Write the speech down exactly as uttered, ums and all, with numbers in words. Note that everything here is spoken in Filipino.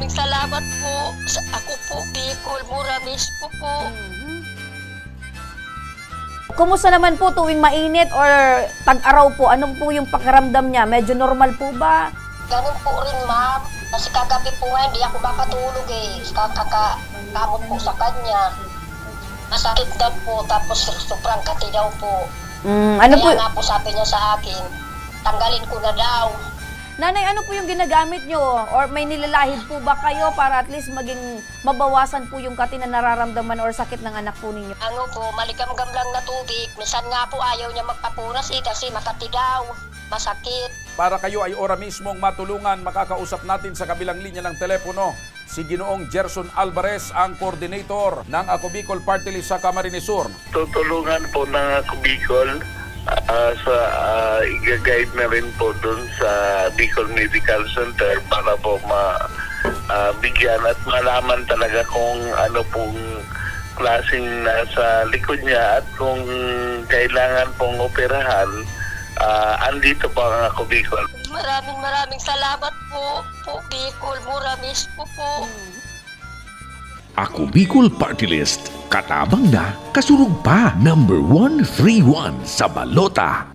maraming salamat po. Sa ako po, Bicol, Muramis po po. Kumusta naman po tuwing mainit or tag-araw po? Ano po yung pakiramdam niya? Medyo normal po ba? Ganun po rin, ma'am. Kasi kagabi po nga, hindi ako makatulog eh. Kakakamot po sa kanya. Masakit daw po, tapos sobrang kati daw po. Mm, ano po? Kaya nga po sabi niya sa akin, tanggalin ko na daw. Nanay, ano po yung ginagamit nyo? Or may nilalahid po ba kayo para at least maging mabawasan po yung kati na nararamdaman or sakit ng anak po ninyo? Ano po, maligam-gam lang na tubig. Minsan nga po ayaw niya magpapunas eh kasi makati daw. Masakit. Para kayo ay ora mismong matulungan, makakausap natin sa kabilang linya ng telepono si Ginoong Gerson Alvarez, ang coordinator ng Ako Bicol Party List sa Camarines Sur. Tutulungan po ng Ako Bicol uh, sa uh, i-guide na rin po dun sa Bicol Medical Center para po ma uh, bigyan at malaman talaga kung ano pong klaseng nasa likod niya at kung kailangan pong operahan. Uh, andito po ang Ako Bicol. Maraming maraming salamat po. Po, Bicol, Muramis po po. Ako Bicol Party List, katabang na, kasurog pa, number one three one sa balota.